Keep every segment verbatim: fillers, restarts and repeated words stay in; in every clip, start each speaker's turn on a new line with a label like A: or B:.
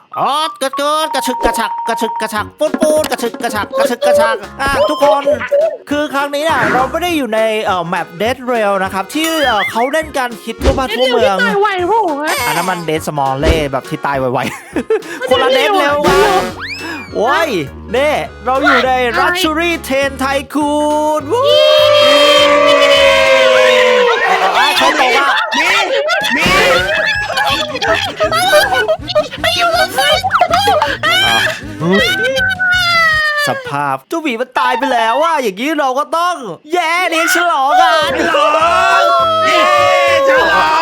A: อ๋อกระเกิดกระชึกกระชักกระชึกกระชักปูนปูนกระชึกกระชักกระชึกกระชักอ่ะทุกคนคือครั้งนี้น่ะเราไม่ได้อยู่ในเอ่อแมปเดดเรลนะครับที่เอ่อเขาเล่นการคิดทั่วบ้านทั่วเมือง
B: ตายไวพวกฮะ
A: อันนั้นมันเดดสมอลเล่แบบที่ตายไวๆ คนละเดดเร็วกันโอ้ยเน่เราอยู่ในรัชชูรี่เทนไทคูนวู้ใครบอกว่า
C: มีมี
B: ไปอยู่รถไฟ
A: สภาพเจ้าหมีมันตายไปแล้วว่าอย่างนี้เราก็ต้องแย่เลี้ยงฉลองกัน
C: ฉลองเย้ฉลอง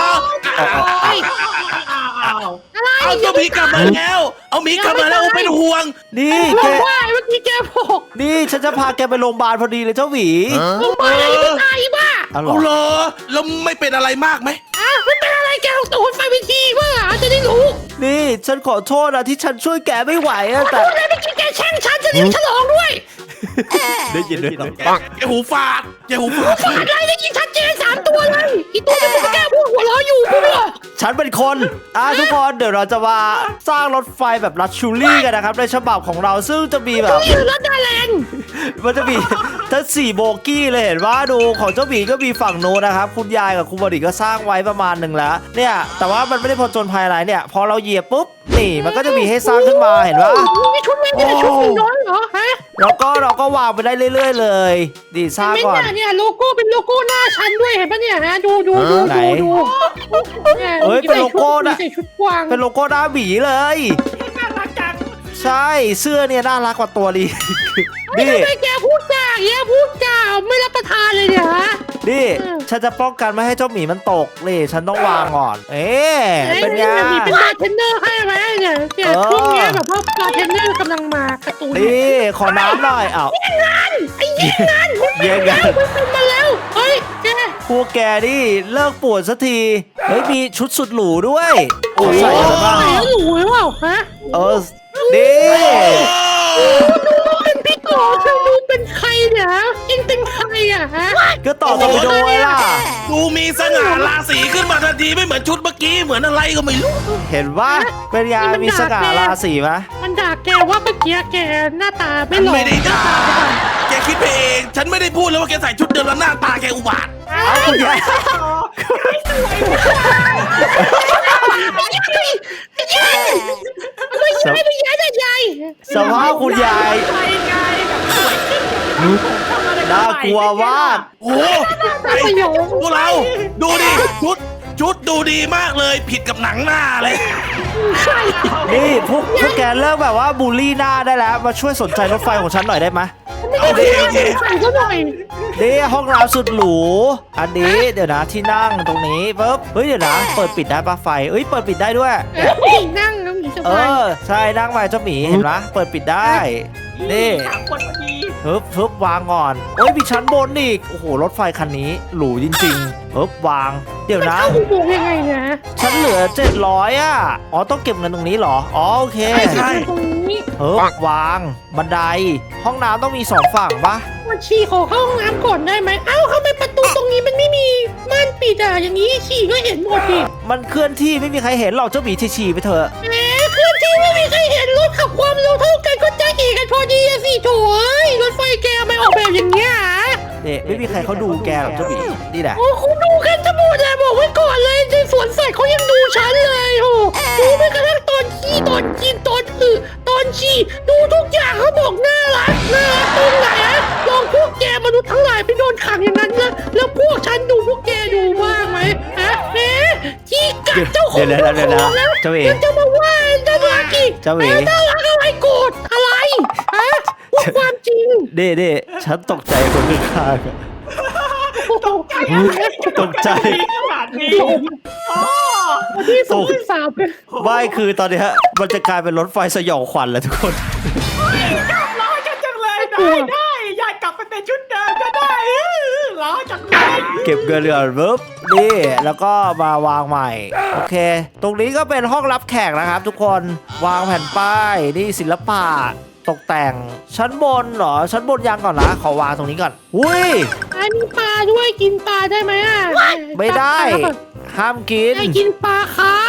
C: เอาตัวหมีกลับมาแล้ว เอาหมีกลับมาแล้วเป็นห่วง
A: นี่
B: บ
A: แก
B: อกว่าเมื่อกี้แกบอก
A: นี่ฉันจะพาแกไปโรงพยาบาลพอดีเลยเจ้าหมี
B: ลงมาเลยไม่ตายบ้า
A: อ๋อเหร
C: เอา
A: อ
C: เหรอแล้วไม่เป็นอะไรมากไหม
B: อ่ะไม่เป็นอะไรแกลงตัวไฟไปทีว่าจะได้รู้
A: นี่ฉันขอโทษนะที่ฉันช่วยแกไม่ไหวอะแต่
B: พูดอะไรเมื่อกี้แกแช่งฉันจะได้ฉลองด้วย
A: ได้ยินด้วยเหรอ
C: แกหูฟาดแกหูฟาด
B: อะไรได้ยินชัดเจนสามตัวเลยอีตัวนี้มันแกพูดหัวเราะอยู่พูดเหรอ
A: ฉันเป็นคนอ่ะทุกคนเดี๋ยวเราจะมาสร้างรถไฟแบบลักชูรี่กันนะครับในฉบับของเราซึ่งจะมีแบบ
B: นี่รถดาแลนด์
A: มันจะมีทั้งสี่โบกี้เลยเห็นว่าดูของเจ้าหมีก็มีฝั่งโน้นนะครับคุณยายกับคุณบดิก็สร้างไว้ประมาณหนึ่งแล้วเนี่ยแต่ว่ามันไม่ได้ผจญภัยอะไรเนี่ยพอเราเหยียบปุ๊บนี่มันก็จะมีให้สร้างขึ้นมาเห็นว่า
B: มีชุดไม่มีชุดน้อยเหรอฮะ
A: เราก็เราก็วางไปได้เรื่อย ๆ เลยดีสร้าง
B: ไม่
A: ก่อน
B: เนี่ยเนี่ยโลโก้เป็นโลโก้หน้าฉันด้วยเห็นปะเนี่ยนะดูดูดู
A: ไหน
B: ดูดู
A: เอ้ยเป็นโลโก้นะ
B: ใส่ชุดกวาง
A: เป็นโลโก้หน้าหมีเลย
B: น่ารักจัง
A: ใช่เสื้อเนี่ยน่ารักกว่าตัวดี
B: นี่
A: นี่
B: ทำไมแกพูดจาอย่างเงี้ยพูดจาไม่รับประทานเลยเนี่ยฮะ
A: นี่ฉันจะป้องกันไม่ให้เจ้าหมีมันตกนี่ฉันต้องวางก่อน เอ๊ะเป็นไง
B: มีเป็นบาร์เทนเนอร์ให้ไหมเนี่ยเนี่ย
A: เออ
B: ช่วงเนี้ยแบบว่าบาร์เทนเนอร์กำลังมาการ์ตูน
A: นี่ขอน้ำหน่อยอ้าว
B: ไอ้เย็นนั่น
A: แย่งกัน
B: มันเป็นมาแล้วเฮ้ยแก
A: พวกแกนี่เลิกปวดสักทีเฮ้ยมีชุดสุดหรูด้วยโอ้ใส่อะไรบ้าง
B: ใส่แล้วหนูหรือเปล่าฮะ
A: เออนี่
B: ดูเป็นพี่โกเธอดูเป็นใครเนี่ยเองเป็นใครอะฮะ
A: ก็ต่อตอร์ปิโดไว้ล่ะ
C: ดูมีสง่าราศีขึ้นมาทันทีไม่เหมือนชุดเมื่อกี้เหมือนอะไรก็ไม่รู้
A: เห็นว่าเป็นยามีสง่าราศีไหม
B: มันด่าแกว่าเมื่อกี้แกหน้าตาไม่หล่อ
C: ไม่ได้ด่าแกคิดไปเอง ฉันไม่ได้พูดเลยว่าแกใส่ชุดเดิมแล้วหน้าตาแกอุบาท
A: เอาคุณยาย
B: ไม่ใช่ไม่ใช่ไม่ใช่
A: สภาพคุณยายน่ากลัวมาก
C: โอ้โหไอ้พวกเรา ดูดิ ชุด ชุดดูดีมากเลย ผิดกับหนังหน้าเลย
B: ใช่
A: นี่พวกพวกแกเลิกแบบว่าบูลลี่หน้าได้แล้ว มาช่วยสนใจรถไฟของฉันหน่อยได้ไหม
B: ไม่ได้ใส่ก็หน่อย
A: นี่ห้องน้ำสุดหรู อันนี้เดี๋ยวนะที่นั่งตรงนี้ปุ๊บ เฮ้ยเดี๋ยวนะ เปิดปิดได้ปะไฟเอ้ยเปิดปิดได้ด้วย
B: นั่งแล้วมีส
A: เอบ
B: าย
A: อใช่นั่งไปเจ้าหมีเห็นปะเปิดปิดได้ นี่ฮึบฮึบวางก่อนโอ้ยมีชั้นบนอีกโอ้โหรถไฟคันนี้หรูจริงๆฮึบวาง เดี๋ยวนะ
B: เข้าอุโมงค์ยังไงนะ
A: ฉันเหลือเจ็ดร้อยอ่ะอ๋อต้องเก็บเงินตรงนี้เหรออ๋อโอเค
C: ใช่
B: ตรงนี้
A: ฮึบวางบันได ห้องน้ำต้องมีสองฝั่งปะ
B: มาฉี่ขอเข้าห้องน้ำก่อนได้ไหมเอ้าทำไมประตูตรงนี้มันไม่มีม่านปิดอ่ะอย่างนี้ฉี่ก็เห็นหมดดิ
A: มันเคลื่อนที่ไม่มีใครเห็นหรอกเจ้าหมีฉี่ๆไปเถอะ
B: แหมเคลื่อนที่ไม่มีใครเห็นรถขับความเร็วเท่ากันก็จะเอกกันพอดีอะสิโถ่เอ้ยรถไฟแกไม่ออกแบบอย่างเงี้ย
A: เนี่ยไม่มีใครเขาดูแกหรอกเจ้าหมีนี่แหละ
B: โอ้คุณดูกันทั้งหมดเลยบอกไว้ก่อนเลยในสวนสัตว์เขายังดูฉันเลยโอ้ดูไปกระทั่งตอนขี้ตอนกินตอนอึตอนฉี่ดูทุกอย่างเขาบอกน่ารักน่ารักตรงไหนอะลองพวกแกมนุษย์ทั้งหลายไปโดนขังอย่างนั้นนะแล้วพวกฉันดูพวกแกดูบ้างไหมฮะเอ๊ะที่กัดเจ้าของ
A: เดี๋ยวๆๆๆ
B: เจ้าของแล้ว
A: เจ้าเอ๋
B: ยังจะมาว่าน่ารักอีก
A: เจ้าเอ๋
B: อ๊ะน่ารักอะไรโกรธอะไรฮะพูดความจริง
A: เด้เด้ฉันตกใจคนข้างๆอะ
B: ตกใจ
A: ตกใจ
D: ขนาดนี้
B: ที่สองที่สามกัน
A: ไม่คือตอนเนี้ยมันจะกลายเป็นรถไฟสยองขวัญแล้วทุกคน
D: ร้อยกันจังเลยได้ได้ยายกลับไปเป็นชุดเดิมก็ได้ร้อยจังเลย
A: เก็บเงินก่อนปุ๊บนี่แล้วก็มาวางใหม่ โอเค ตรงนี้ก็เป็นห้องรับแขกนะครับ ทุกคนวางแผ่นป้ายนี่ศิลปะตกแต่งชั้นบนเหรอชั้นบนยังก่อนนะขอวางตรงนี้ก่อนอุ้ย
B: อันนี้ปลาด้วยกินปลาได้ไหมอ่ะ
A: ไม่ได้ ห้ามกิน
B: ได้กินปลาครับ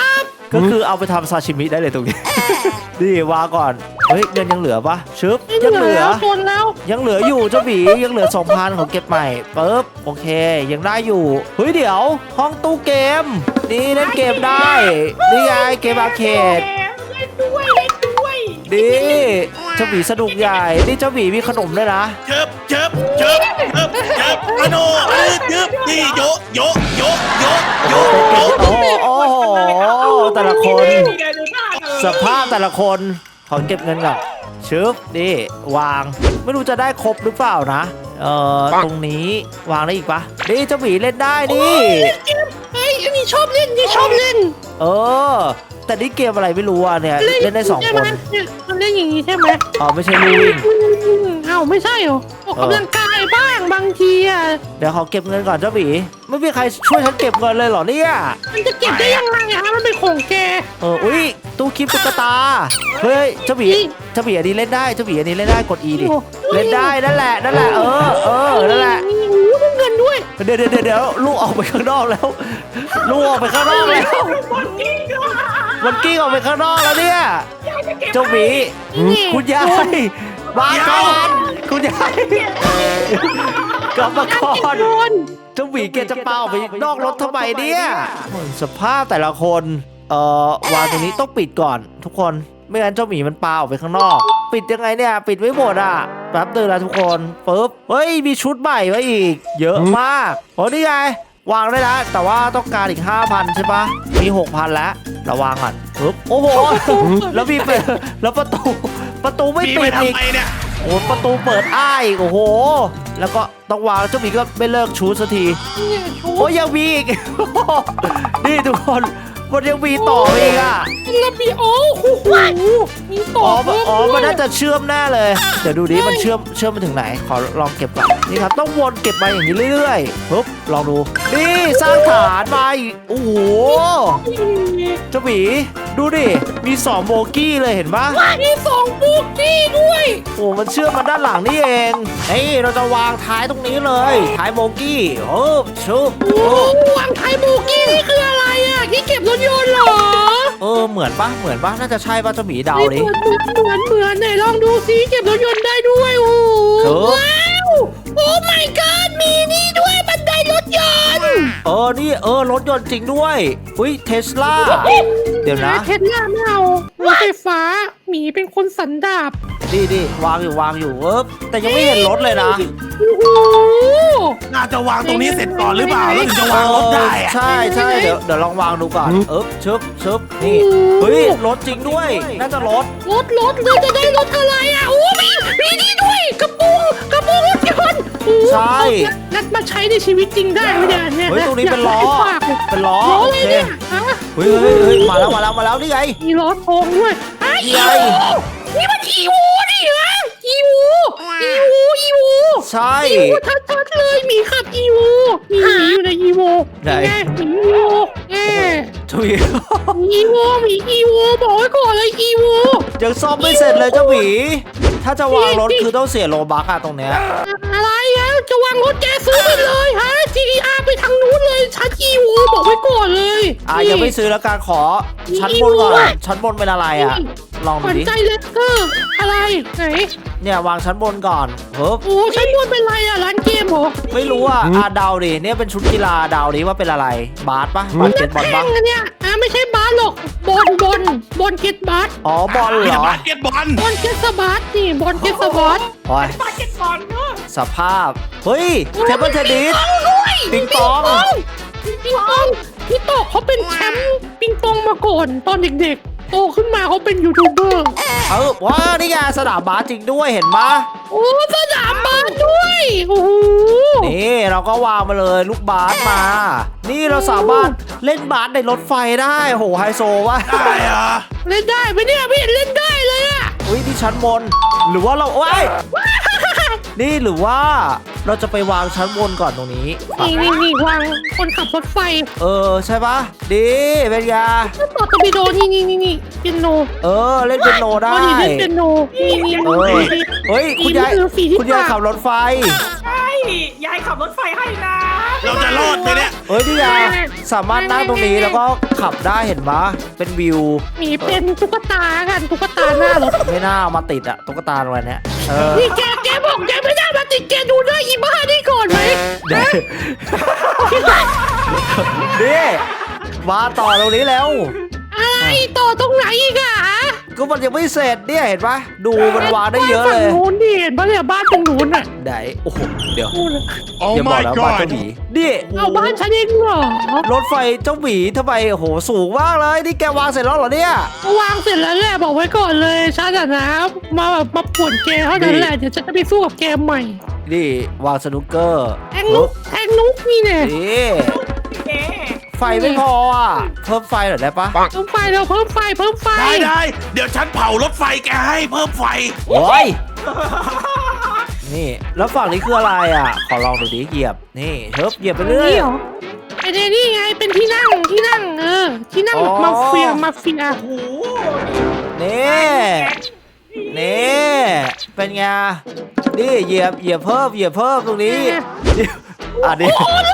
A: ก็คือเอาไปทำซาชิมิได้เลยตรงนี้ นี่วางก่อนเฮ้ยเงินยังเหลือปะชึบ
B: ไม่
A: ยัง
B: เห
A: เห
B: ลื
A: ลื
B: อ
A: อ
B: จนแล้ว
A: ยังเหลืออยู่เจ้าหมียังเหลือ สองพัน ของเก็บใหม่ปึ๊บโอเคยังได้อยู่เฮ้ยเดี๋ยวห้องตู้เกม นี่เล่นเกมได้นี่ไงเกมอาร์เคด
D: เล่นด้วยเล่นด้วย
A: ดีเจ้าหมีสนุกใหญ่นี่เจ้าหมีมีขนมด้วยนะ
C: เชิบเชิบเชิบเชิบเชิบอโนเออเชิบนี่โยโยโยโยโยโย
A: โอ้โหโอ้โหแต่ละคน
D: นี่ไงดูหน้าเลย
A: สภาพแต่ละคนขอเก็บเงินก่อนชึบนี่วางไม่รู้จะได้ครบหรือเปล่านะเอ่อตรงนี้วางได้อีกปะนี่เจ้าหมีเล่นได้นี่
B: เฮ้ยอันนี้ชอบเล่นนี่ชอบเล่น
A: เออแต่นี่เกมอะไรไม่รู้อ่ะเนี่ยเล่นได้สอง
B: ใช่
A: ค
B: ไหม
A: น
B: เนี่ยมันเล่นอย่างนี้ใช่ไหม
A: อ๋อไม่ใช่ลูวิ่ง
B: เอ้าไม่ใช่เหรอออกกำลังกายบ้างบางทีอ่ะ
A: เดี๋ยวขอเก็บเงินก่อนเจ้าหมีไม่มีใครช่วยฉันเก็บเงินเลยเหรอเนี่ย
B: มันจะเก็บได้ยังไงอะมันเป็นของแก
A: เอออุ้ยตู้คลิปตุ๊กตาเฮ้ยเจ้าหมีเจ้าหมีอันนี้เล่นได้เจ้าหมีอันนี้เล่นได้กด E ดิเล่นได้นั่นแหละนั่นแหละเออเออนั่นแหละ
B: มีหูต้องเงินด้วย
A: เดี๋ยวเดี๋ยวเดี๋ยวลูกออกไปข้างนอกแล้วลูกออกไปข้างนอกแล้ว
D: คนกิ้งด้วย
A: มันกิ้งออกไปข้างนอกแล้วเนี่ย
D: ยายจะเก็บ
A: เจ้าหมีคุณยายมาก่อนคุณยายกลับมาก่อน
B: โดน
A: เจ้าหมีแกจะเปล่าไปนอกรถทำไมเนี่ยสภาพแต่ละคนเอ่อวางตรงนี้ต้องปิดก่อนทุกคนไม่งั้นเจ้าหมีมันปาออกไปข้างนอก ปิดยังไงเนี่ยปิดไม่หมดอ่ะแป๊บเดียวนะทุกคนปึ๊บเฮ้ยมีชุดใหม่ไว้อีก เยอะมากโอ้นี่ไงวางได้แล้วแต่ว่าต้องการอีก ห้าพัน ใช่ปะมี หกพัน แล้วเราวางก่อนปึ๊บโอ้โหแล้วมีเปิดแล้วประตูประตูไม่
C: มี
A: ปิ
C: ไป
A: ดอีก
C: ทำไมเนี่ย
A: โอ้ประตูเปิดอ้ายโอ้โห แล้วก็ต้องวางเจ้าหมีก็ไม่เลิกชูสักที
B: เนี่ยชู
A: โอ้ยยังมีอีก นี่ทุกคนมันยังมีต่ออีกอ่ะ
B: ระเบียบโอ้โหมีต่อ
A: อ๋อ
B: เพิ่ม
A: อ๋อ
B: ด้วย
A: มันน่าจะเชื่อมแน่เลย เดี๋ยวดูดิมันเชื่อมเชื่อมไปถึงไหน ขอลองเก็บก่อนนี่ครับต้องวนเก็บมาอย่างนี้เรื่อยๆปึ๊บลองดูนี่สร้างฐานมาอีกโอ้โหเจ้าหมีดูดิมีสองโบกี้เลยเห็นปะ
B: มีสองบุกกี้ด้วย
A: โอ้มันเชื่อมมาด้านหลังนี่เองเฮ้ยเราจะวางท้ายตรงนี้เลยท้ายโบกี้โอ้ชุบ
B: โอ้วางไทยบุกกี้นี่คืออะไรอ่ะที่เก็บรถยนต์เหรอ
A: เออเหมือนปะเหมือนปะน่าจะใช่ปะเจ้าหมีเดาดิ
B: เหมือนเหมือนเหมือนไหนลองดูซิเก็บรถยนต์ได้ด้วยโอ้
A: เออ
B: ว้าวโอ้ my god มีนี่ด้วยบันไดรถยนต์
A: เออนี่เออรถยนต์จริงด้วยอุ้ยเทสลาเดี๋ยวนะ
B: เทสลาไม่เอารถไฟฟ้าหมีเป็นคนสันดาบ
A: ดีดีวางอยู่วางอยู่เออแต่ยังไม่เห็นรถเลยนะ
B: โอ้โห
C: น่าจะวางตรงนี้เสร็จก่อนหรือเปล่าแล้วถึงจะวางรถได้อะ
A: ใช่ใช่เดี๋ยวเดี๋ยวลองวางดูก่อนเอ๊บชึบชึบนี่เฮ้ยรถจริงด้วย น่าจะรถ
B: รถรถเราจะได้รถอะไรอ่ะโอ้มีมีนี่ด้วยกระโปรงกระโปรงรถยนต์โอ้
A: ใช่
B: นัดมาใช้ในชีวิตจริงได้ไหมเนี่ยเนี่ย
A: เฮ้ยตรงนี้เป็นล้อ
B: อยากให้ฝากเลย
A: เป็นล้อ
B: ล้อ
A: โอ
B: เลย
A: เค
B: เนี่ยฮะ
A: เฮ้ยเฮ้ยเฮ้ยมาแล้วมาแล้วมาแล้วนี่ไง
B: มีล้อทองด้วยอ่ะ
A: นี่
B: อี
A: ไง
B: วูนี่มันอีวูนี่ฮะอีวูอีวูอีวู
A: ใช่
B: อีวูชัดๆเลยหมีขับอีวูมีหมีอยู่ในอีวู
A: ไหน
B: ไงหมีอีวูเอ๊
A: เจ้าหมี
B: อีวูหมีอีวูบอกไว้ก่อนเลยอีวู
A: ยังซ่อมไม่เสร็จเลยเจ้าหมีถ้าจะวางรถคือต้องเสียโลบักอะตรงเนี้ย
B: อะไรอ่ะจะวางรถแกซื้อไปเลยฮะ จี ดี อาร์ ไปทางนู้นเลยชั้นอีวูบอกไว้ก่อนเลย
A: อ่ะยังไม่ซื้อแล้วการขอชั้นบนก่อนชั้นบนเป็นอะไรอ่ะ ลอง
B: ข
A: ดู
B: วัญ
A: ดิ
B: ใจเลสเกอร์อะไรไหน
A: เนี่ยวางชั้นบนก่อนเฮ้ย
B: โอ้ชั้นบนเป็นอะไรอ่ะร้านเกมเหรอ
A: ไม่รู้อ่ะอ่ะเดาดิเนี่ยเป็นชุดกีฬาเดาดิว่าเป็นอะไร บาสปะบาสเกตบอล
B: แข่
A: ปะ
B: งกันเนี่ยอ่ะไม่ใช่บาสหรอกบอลบอลบอลเก็ตบาส
A: อ๋อบอลเหร
C: จะ
A: อ
C: บาสเก็ตบอล
B: บอลเก็ตสบาสนี่บอลเก็ตสบาส
A: โอ้ย
D: บาเก็ตบอลเนาะ
A: สภาพ เฮ้ยเทเบิลเทนนิส
B: ด้วย
A: ปิงปอง
B: ปิงปองพี่โตเขาเป็นแชมป์ปิงปองมาก่อนตอนเด็กๆ โตขึ้นมาเขาเป็นยูทูบเบอร์
A: เออว้านี่ไงสนามบาสจริงด้วยเห็นปะ
B: โอ้สนามบาสด้วยโอ้โห
A: นี่เราก็วางมาเลยลูกบาสมา นี่เราสามารถเล่นบาสในรถไฟได้โหไฮโซวะ
C: ได้เหรอ
B: เล่นได้ไหมเนี่ยพี่เห็นเล่นได้เลยอะ
A: อุ้ยที่ชั้นบน หรือว่าเราโอ้ยนี่หรือว่าเราจะไปวางชั้นบนก่อนตรงนี้
B: นี่นี่นี่วางคนขับรถไฟ
A: เออใช่ปะดีเป็นยา
B: ต่อตอร์ปิโดนี่นี่นี่นี่เปียโน
A: เออเล่นเป็นโนได้
B: อ๋อนี่เล่นเปียโนนี่นี่
A: เออเฮ้ยคุณยาย
B: นี่คือฝีที่
A: คุณยาย
B: ปาก
A: ขับรถไฟ
D: ใช่ยายขับรถไฟให้นะ
C: เราจะรอดไหมเนี่ย
A: เอ้ยนี่ไงสามารถนั่งตรงนี้แล้วก็ขับได้เห็นปะเป็นวิว
B: หมีเป็นตุ๊กตากันตุ๊กตาหน้ารถ
A: ไม่น่าเอามาติดอะตุ๊กตาอะไรเนี้ยเออ
B: นี่แกแกบอกแกไม่ได้มาติดแกดูหน้าอีบ้านี่ก่อนไหม
A: เดี๋ยวนี่มาต่อตรงนี้แล้ว
B: อะไรต่อตรงไหนอีกอะ
A: ก็มันยังไม่เสร็จเนี่ยเห็นปะดูมันวางได้เยอะเลย
B: บ้านฝั่งนู้นดิเห็นปะเนี่ยบ้านตรงนู้นอะ
A: ไหนโอ้โหเดี๋ยว
B: นู่นอะ
C: Oh
A: อย่าบอก
C: my
A: นะบ้าน
C: god
A: เจ้าหมีนี่
B: เอาบ้านฉันเองเหรอ
A: รถไฟเจ้าหมีทำไมโอ้โหสูงมากเลยนี่แกวางเสร็จแล้วเหรอเนี่ย
B: วางเสร็จแล้วแหละบอกไว้ก่อนเลยฉันอะนะมาแบบมาป่วนแกเท่านั้นแหละเดี๋ยวฉันจะไปสู้กับแกใหม่
A: นี่วางสนุกเกอร์
B: แทงนุกแทงนุกนี่เนี่ย
A: นี่
D: เก๋
A: ไฟไม่พออ่ะเพิ่มไฟหน่อยได้ปะ
B: เพิ่มไฟเราเพิ่มไฟเพิ่มไฟ
C: ได้ได้เดี๋ยวฉันเผารถไฟแกให้เพิ่มไฟ
A: โอ้ยนี่แล้วฝั่งนี้คืออะไรอ่ะขอลองดูดิเหยียบนี่เฮิบเหยียบไปเรื่อย
B: นี่เหรอไอ้เนี่ยนี่ไงเป็นที่นั่งที่นั่งเออที่นั่งแบบ
A: อ๋อ
B: มาเฟียมาเฟีย
D: โอ้โห
A: นี่นี่เป็นไงนี่เหยียบเหยียบเพิ่มเหยียบเพิ่มตรงนี้อ่ะนี่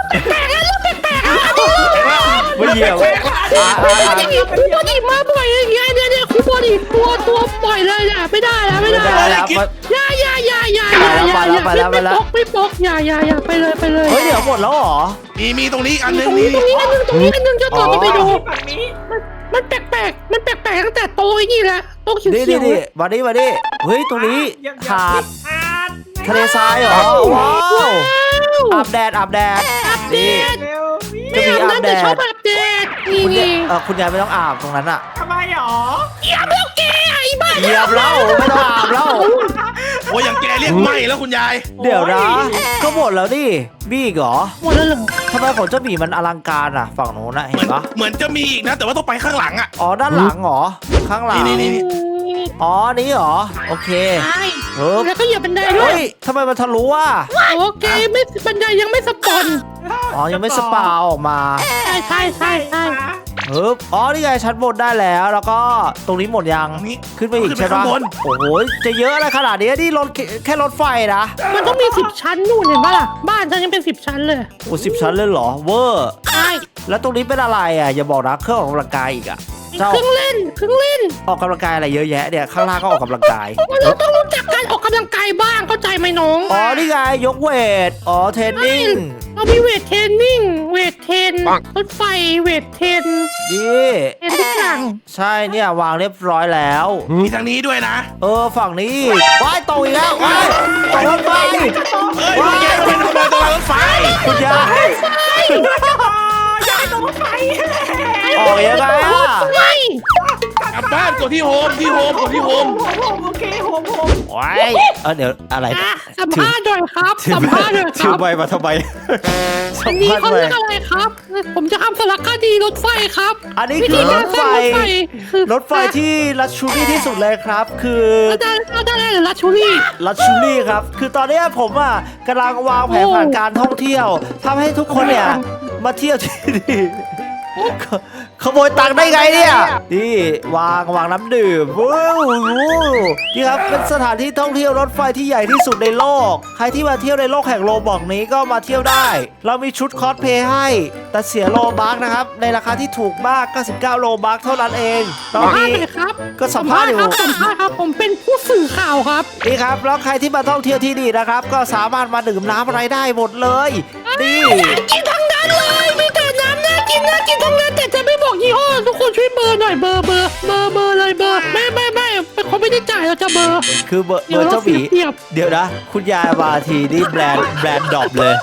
A: ไม่เหยียบอ่ะอ่ะ
B: คู
A: อ่ะ
B: บอดีคูบอดีมาบ่อยอย่างเงี้ยเนี่ยเนี่ยคูบอดีตัวตัวปล่อยเลยเนี่ยไม่ได้แล้วไม่
A: ไม่
B: ได้
A: ได้
B: แล้ว
A: แล้วมัน
B: อย่าอย่าอย่าอย่าอย่าอย่าอย่า
A: ไปแล้วไปแล้วไปแล้ว
B: ไม่ปกไม่ปกอย่าอย่าอย่าไปเลยไปเลย
A: เฮ้ยเดี๋ยวหมดแล้วเหรอ
C: มีมีตรงนี้อีกอันหนึ
B: ต
C: ง
B: รงนี้ตรงนี้อันนึงตรงนี้อันนึงเจ้าตัวต้องไปดู
D: แบบนี้
B: มันแปลกๆมันแปลกๆตั้งแต่โตไอ้นี่แหละโตเขียว
A: นี่
B: เขี
A: นี่
B: ยว
A: นี่มาดิมาดิเฮ้ยตรงนี้
D: ยัง
A: หาด
D: อาด
A: ทะเลทรายเหรอว้าวอาบแดดอาบแดดนี่
D: เร็ว
B: ไม่อาบน้ำแต่ชอบอาบแดดนี่
A: คุณยาย
B: นี่
A: เออคุณยายไม่ต้องอาบตรงนั้นอ่ะ
D: ทำไมหรอ
B: อาบแล้วแกไอ้บ้า
A: เหยียบแล้วไม่ต้องอาบแล้ว
C: โอ้ยอย่างแกเรียกไม่แล้วคุณยาย
A: เดี๋ยวนะก็หมดแล้วดิมีอีกเหรอ
B: หมดแล้วเหรอ
A: ทำไมของเจ้าหมีมันอลังการอ่ะ ฝั่งโน้นนะ
C: เห
A: เห็
C: มือน
A: นปะ
C: เหมือนจะมีอีกนะ แต่ว่าต้องไปข้างหลังอ่ะ
A: อ๋อด้านหลังเหรอข้างหลัง
C: นี่นี่นี่
A: อ๋อนี้เหรอโอเค
B: ใช่
A: เฮ้ย
B: แล้วก็เหยียบบันไดด้ว
A: เฮ้
B: ย
A: ยทำไมมันทะลุอ่ะ
B: โอเคไม่บันไดยังไม่สปอน
A: อ๋อยังไม่สปาออกมา
B: ใช่ใช่ใช่ใช่
A: เฮ้ยอ๋อนี่ไงชั้นบนได้แล้ว แล้วก็ตรงนี้หมดยัง
C: ตรงนี้
A: ขึ้นไปอีก
C: ขึ้นไป
A: ใช่ปะ
C: ข้างบน
A: โอ้โหจะเยอะอะไรขนาดนี้นี่รถแค่แค่รถไฟนะ
B: มันต้องมีสิบชั้นนู่นเห็นปะล่ะบ้านฉันยังเป็นสิบชั้นเลย
A: โอ้สิบชั้นเลยเหรอเวอร์
B: ใช่
A: แล้วตรงนี้เป็นอะไรอ่ะอย่าบอกนะเครื่องออกกำลังกายอีกอ่ะเจ้า
B: เครื่องเล่นเครื่องเล่น
A: ออกกำลังกายอะไรเยอะแยะเนี่ยข้างล่างก็ออกกำลังกาย
B: เราต้องรู้จักการออกกำลังกายบ้างเข้าใจไหมน้อง
A: อ๋อนี่ไงยกเวทอ๋อเทรนนิ่ง
B: เรามีเวทเทรนนิ่งเวทเทรนรถไฟเวทเทรน
A: ดี
B: เทรนทุกอย่าง
A: ใช่เนี่ยวางเรียบร้อยแล้ว
C: มีทางนี้ด้วยนะ
A: เออฝั่งนี้ว้ายตกอีกแล้วว้ายตกรถไฟ
C: เอ้ยคุณแกเป็นขโมยตัวรถไฟ
A: คุณยาย
D: ยายตรงไฟ
A: ออกยังไงอ่ะ
B: ไฟ
C: กลับบ้านกดที่โฮมที่โฮมกดที่โฮม
D: ผมโอเคผมผม
A: ว้ายเออเดี๋ยวอะไร
B: อ่ะสัมภาษณ์หน่อยครับสัมภาษณ์หน่อยค
A: ชื่
B: รั
A: อบ ใบมาทำไมสั
B: อั
A: ม
B: นนี้
A: ภาษณ์
B: เขา
A: ไป
B: เรียกอะไรครับ ผมจะทำสารคดีรถไฟครับ
A: อันนี้
B: วิ
A: คื
B: ธี
A: อร
B: การ
A: ถ
B: ส
A: ไฟ
B: ร้างรถไฟคือ
A: รถไฟที่ลัชชูรี่ที่สุดเลยครับ คือ
B: อาจารย์อาจารย์หรือลัชชูรี่
A: ลัชชูรี่ครับ คือตอนเนี้ยผมอ่ะกำลังวางแผน
B: โอ้
A: ผ่านการท่องเที่ยวทำให้ทุกคนเนี่ยมาเที่ยวที่นี่ขขโมยตังค์ได้ไงเนี่ยนี่วางวางน้ำดื่มว้าวนี่ครับเป็นสถานที่ท่องเที่ยวรถไฟที่ใหญ่ที่สุดในโลก ใครที่มาเที่ยวในโลกแห่งโลบอกนี้ก็มาเที่ยวได้ เรามีชุดคอสเพลย์ให้ แต่เสียโลบัคนะครับในราคาที่ถูกมากเก้าสิบเก้าโลบัคเท่านั้นเองต
B: สั
A: อ
B: ม
A: น
B: ภาษ
A: นี้
B: ณ์หน่อยครับ
A: ก็สัมภาษณ์อยู่
B: ครับสัมภาษณ์ครับ ผมเป็นผู้สื่อข่าวครับ
A: นี่ครับแล้วใครที่มาท่องเที่ยวที่นี่นะครับ ก็สามารถมาดื่มน้ำอะไรได้หมดเลยนี่
B: กินทั้งนั้นเลยมีแต่น้ำน่ากินน่ากินทั้งนั้นแต่จะไม่บอกยี่ห้อทุกคนช่วยเบอร์หน่อยเบอร์เบอร์เบอร์เบอร์เลยเบอร์ไม่ไม่ไม่เขาไม่ได้จ่ายเราจะเบอร์
A: คือเบอร์เบ
B: เดี๋ย
A: อ
B: ว
A: ร์
B: เรา
A: เจ้าหมี
B: เปรียบ
A: เดี๋ยวนะ คุณยายมาทีนี่แบรนด์แบรนด์ดรอปเลย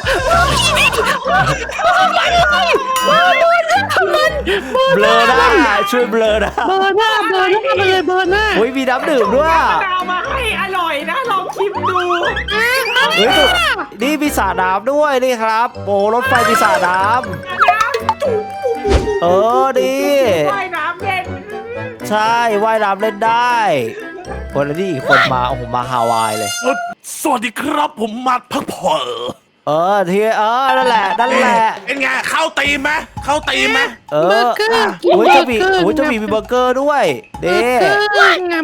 A: เบลอหน้าช่วยเบลอหนะ
B: เบอร์หน้าเบอร์หน้าไปเลยเบอร์หน้า
A: โอ้ยมีน้ำดื่มด้วย
D: มะนาวมาให้อร่อยนะลองชิมดู
A: เฮ้ยดูนี่มีสระน้ำด้วยนี่ครับโอ้รถไฟมีสระน้
D: น้ำจุ๊บ
A: ำเออดี
D: ว่ายน้ำเล่น
A: ใช่ว่ายน้ำเล่นได้คนละที่อีกคนมาโอ้โหมาฮาวายเลย
C: เอ้ยสวัสดีครับผมมาพักผ่อน
A: เออทีเออนั่นแหละนั่นแหละ
C: เป็นไงเข้าตีมไหมเข้าตีมไหม
A: เอ
B: เบอ
A: อ
B: ร์เกอร์
A: โอ้ยเจะมีโอ้ยเจะมีมีเบอร์เกอร์ด้วย
B: เบอ
A: เด้
B: ร์เกอร์งามงามงาม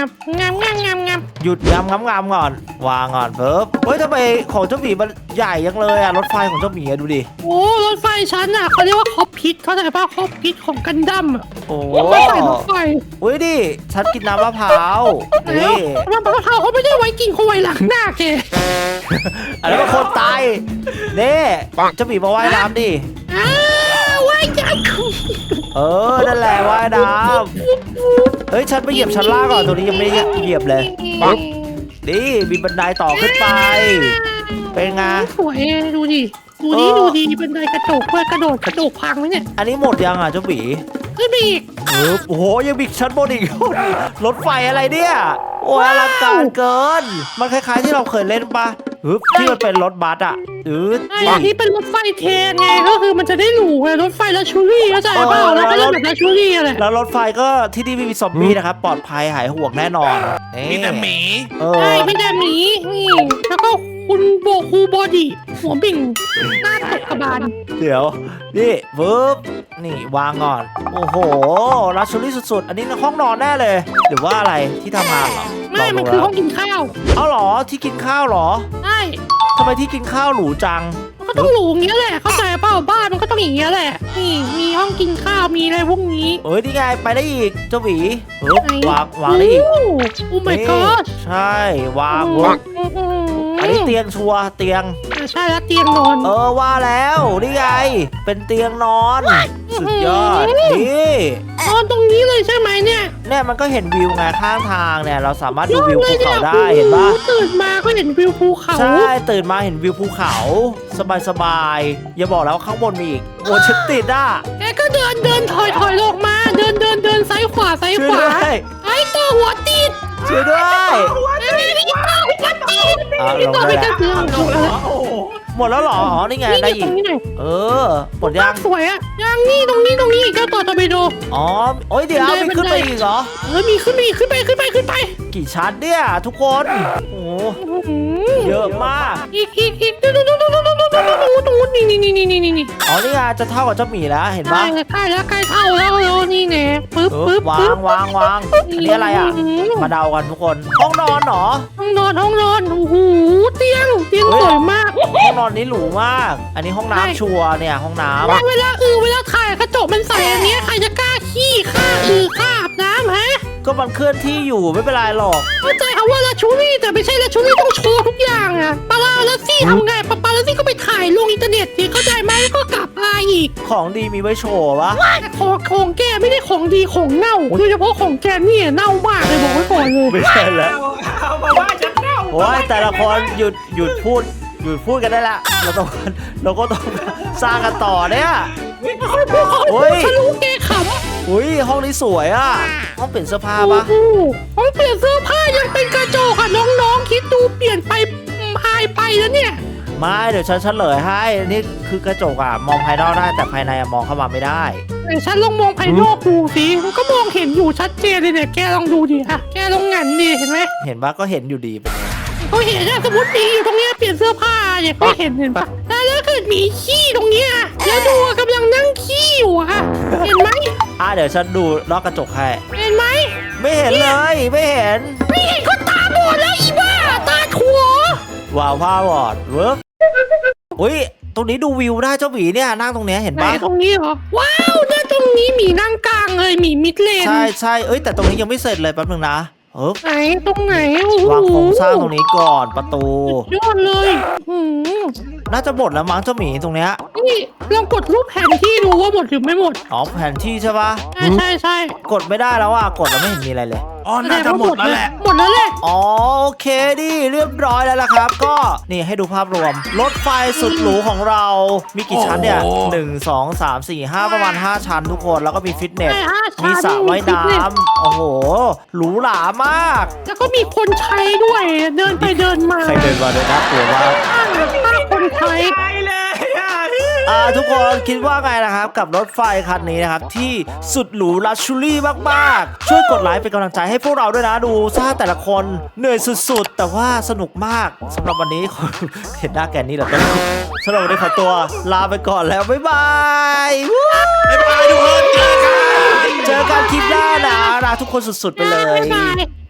B: ามงามงามงามงาม
A: หยุดงามงามงามก่อนวางก่อนเพิ่มเฮ้ยทำไมของเจ้าหมีมันใหญ่ยังเลยอะรถไฟของเจ้าหมีอะดูดิ
B: โอ้รถไฟฉันอ่ะเขาเรียกว่าคอปพิทเขาใจป่ะคอปพิทของกันดั้มอ่ะ
A: โอ้
B: ไม่ใส่รถไฟ
A: อุ้ยดิฉันกินน้ำมะพร้าว
B: แล้ว
A: นี่
B: น้ำมะพร้าวเขาไม่ได้ไว้กินเขาไว้หลังหน้าแก
A: อันนั้นเป็นคนตายนี่เจ้าหมีมาว่ายน้ำดิ
B: อ้าวไว้จัง
A: เออนั่นแหละว่ายน้ำเฮ้ยฉันไปเหยียบชั้นล่างก่อนตรงนี้ยังไม่ได้เหยียบเลยนี่มีบันไดต่อขึ้นไปเป็นไง
B: สวยดูดิดูดิดูดิบันไดกระจกเพื่อกระโดดกระโดดพังไหมเนี่ย
A: อันนี้หมดยังอ่ะเจ้าหมี
B: ขึ้นไปอีก
A: เออโอ้โหยังมีชั้นบนอีก รถไฟอะไรเนี่ยโอ้ยอลังการเกิน มันคล้ายๆที่เราเคยเล่นปะฮึบที่มันเป็นรถบัสอ่ะอืด
B: ไอ้ที่เป็นรถไฟเทรนไงก็คือมันจะได้หรูไงรถไฟลักชูรี่เข้าใจเปล่าแล้วก็เล่นแบบลักชูรี่อะไร
A: แล้วรถไฟก็ที่นี่ไม่มีซอมบี้นะครับปลอดภัยหายห่วงแน่นอนนี่
C: มีแต่หมี
A: เอ
B: ใช่
A: อ
B: ไม่ได้หมีนี่แล้วก็คุณโบคูบอดี้หัวบิ่งหน้าตกกระบาล
A: เดี๋ยวนี่ปึ๊บนี่วางก่อนโอ้โหลักชัวรี่สุดๆ อันนี้ห้องนอนแน่เลย หรือว่าอะไรที่ทำงานเหรอ
B: ไม่มัน
A: ล
B: คือ
A: ดู
B: ห้องกินข้าว
A: เอาเหรอที่กินข้าวเหรอ
B: ใช่
A: ทำไมที่กินข้าวหรูจัง
B: มันก็ต้องหรูอย่างเงี้ยแหละเข้าใจเปล่าบ้านมันก็ต้องอย่างเงี้ยแหละนี่มีห้องกินข้าวมีอะไรพวกนี้
A: เอ้ยนี่ไงไปได้อีกเจ้าหวีปึ๊บ
B: ไหน
A: วางวางได้อีก
B: โอ้โอ้ my
A: นี่
B: god
A: ใช่วาง
B: โอ้
A: ปึ๊บ
B: โอ้โอ้
A: อันนี้เตียงชัวร์เตียง
B: อ่าใช่แล้วเตียงนอน
A: เออว่าแล้วนี่ไงเป็นเตียงนอน สุดยอดนี่
B: นอนตรงนี้เลยใช่ไหมเนี่ย
A: เนี่ยมันก็เห็นวิวไงข้างทางเนี่ยเราสามารถดูวิว
B: เล
A: ภู
B: ย
A: เขา
B: นี่ย
A: ได้เห็นปะ
B: โอ้โตื่นมาก็เห็นวิวภูเขา
A: ใช่ตื่นมาเห็นวิวภูเขา สบายสบายๆอย่าบอกแล้วาข้างบนมีอีกโอ้ฉันติดอ่ะ
B: แกก็เดินเดินถอยถอยลงมา เดินเดินเดินซ้ายขวาซ้าย
A: ช่
B: ข
A: วย
B: วา
A: ด้วย
B: ไอ้ตัวหัวติด
A: ช่วยด้วย
B: ไอ้นี่ตัวหัวติด
A: อ่ะล
B: นี่
A: ง
B: ตัว
A: ได้
B: ไม่
A: แล้
B: กระ
A: ว
B: เทือน
D: ลงแล้วโอ้โห
A: หมดแล้วเหรออ๋อนี่ไง
B: นี่
A: ได้
B: ต
A: อี
B: ร
A: ก
B: งนี้หน่อย
A: เออหมดยัง
B: สวยอะยังนี่ตรงนี้ตรงนี้เจ้าต่อตอร์ปิโด
A: อ๋อโอ้ยเดี๋ยว
B: บันได
A: มีขึ้น
B: บัน
A: ไป
B: ได
A: อีกเหรอ
B: เออมีขึ้นไปอีกขึ้นไปขึ้นไปขึ้นไป
A: กี่ชั้นเนี่ยทุกคนโอ้
B: อื้อหือ
A: เยอะมาก
B: อีกอีกอีกดูดูดูดูดูดูดูดูดูดูนี่นี่นี่นี่นี่นี่นี่
A: อ๋อนี่ไงจะเท่ากับเจ้าหมีแล้วเห็น
B: ใกล้
A: ปะ
B: แล้วใกล้แล้วใกล้เท่าแล้วแล้วนี่แน่ปึ๊บ
A: เออ
B: ปึ๊บ
A: วา
B: ปึ๊
A: ง
B: บ
A: วางวางอันนี้อะไรอ่ะ มาเดากันทุกคน ห้องนอนเหรอ
B: ห้องนอนห้องนอนโอ้โหเตียงเตียง
A: เฮ้ย
B: สวยมาก
A: ห้องนอนนี้หรูมาก อันนี้ห้อง
B: ใช่
A: น้ำชัวร์เนี่ยห้องน้ำ
B: เวลาอือเวลาถ่ายกระจกมันใส่อันเนี้ยใครจะกล้าขี้ข้าอือข้าอาบน้ำฮะ
A: ก็มันเคลื่อนที่อยู่ไม่เป็นไรหรอก
B: เข้าใจคำว่าลาชูรี่แต่ไม่ใช่ลาชูรี่ต้องโชว์ทุกอย่างอะปาลาลาซี่ทำไงปาปาลาซี่ก็ไปถ่ายลงอินเทอร์เน็ตสิเข้าใจไหมแล้วก็กลับมาอีก
A: ของดีมีไว้โชว์ปะ
B: แต่ของของแกไม่ได้ของดีของเน่าโดยเฉพาะของแกเนี่ยเน่ามากเลยบอกไว้ก่อนเลย
A: ไม่ใช่แล้ว
D: เอาเอามาว่าฉันเน่า
A: โอ้ยแต่ละคนหยุดหยุดพูดหยุดพูดกันได้ละเราต้องเราก็ต้องสร้างกันต่อเนี่ย
B: ไม่ค่อยพูดเขา
A: โอ้ย
B: ฉันรู้แกขำ
A: อุ้ยห้องนี้สวยอ่ะ ห้องเปลี่ยนเสื้อผ้าปะ
B: โอ้โหเขาเปลี่ยนเสื้อผ้ายังเป็นกระจกอะน้องๆคิดดูเปลี่ยนไปหายไปแล้วเนี่ย
A: ไม่เดี๋ยวฉันเฉลยให้นี่คือกระจกอ่ะมองภายนอกได้แต่ภายในอะมองเข้ามาไม่ได้
B: แต่ฉันลองมองภายนอกดูสิมันก็มองเห็นอยู่ชัดเจนเลยเนี่ยแกลองดูดิอะแกลองงันดิเห็นไหม
A: เห็นปะก็เห็นอยู่ดีเป็นไง
B: เขาเห็นอะสมมติหมีอยู่ตรงเนี้ยเปลี่ยนเสื้อผ้าเนี่ยเขาเห็นเห็นปะแต่ถ้าเกิดหมีขี้ตรงเนี้ยแล้วดูอะกำลังนั่งขี้อยู่อะเห็นไหม
A: อ่ะเดี๋ยวฉันดูนอกกระจกให้
B: เห็นไหม
A: ไม่เห็นเลยไม่เห็น
B: ไม่เห็นก็ตาบอดแล้วอีบ้าตาถั่ว
A: ว้าวผ้าวอดเวิร์กอุ้ยตรงนี้ดูวิวได้เจ้าหมีเนี่ยนั่งตรงเนี้ยเห็น
B: ไหน
A: ปะ
B: ตรงนี้เหรอว้าวเนี่ยตรงนี้หมีนั่งกลางเลยหมีมิดเลน
A: ใช่ใช่เอ้ยแต่ตรงนี้ยังไม่เสร็จเลยแป๊บนึงนะเออ
B: ไหนตรงไหนโอ้โห
A: วางโครงสร้างตรงนี้ก่อนประตู
B: ยอดเลยหืม
A: น่าจะหมดแล้วมั้งเจ้าหมีตรงเนี้ย
B: นี่ลองกดรูปแผนที่ดูว่าหมดหรือไม่หมด
A: อ๋อแผนที่ใช่ปะ
B: ใช่ใช่ใช่
A: กดไม่ได้แล้วอ่ะกดแล้วไม่เห็นมีอะไรเลย
C: อ๋อน่าจะหมดแล้วแหละ
B: หมดแล้วแหละ
A: อ๋อโอเคดิเรียบร้อยแล้วล่ะครับ ก็นี่ให้ดูภาพรวม รถไฟสุดหรูของเรา มีกี่ชั้นเนี่ย
C: โอ้โห
A: หนึ่งสองสามสี่ห้าประมาณห้าชั้นทุกคนแล้วก็มีฟิตเนส
B: ใช่ฮะ
A: มีสระว่ายน้
B: ฟิตเส
A: ำโอ้โหหรูหรามาก
B: แล้วก็มีคนใช้ด้วยเดินไปเดินมา
A: ใครเดินมาเลยนะกลัวมาก
B: ป้าป้าคนใช้
D: ตายเลยอ่ะ
A: อ่าทุกคนคิดว่าไงนะครับ กับรถไฟคันนี้นะครับ ที่สุดหรูลักชัวรี่มากๆ ช่วยกดไลค์เป็นกำลังใจให้พวกเราด้วยนะดูซ่าแต่ละคนเหนื่อยสุดๆ แต่ว่าสนุกมากสำหรับวันนี้ขอ เห็นหน้าแกนนี่แหละต้องสำหรับวันนี้ขอตัวลาไปก่อนแล้ว บ๊ายบายวู้
C: บ๊ายบายทุกคนเจอกัน
A: เจอกันคลิปหน้านะรักทุกคนสุดๆไปเลย
B: บ๊ายบาย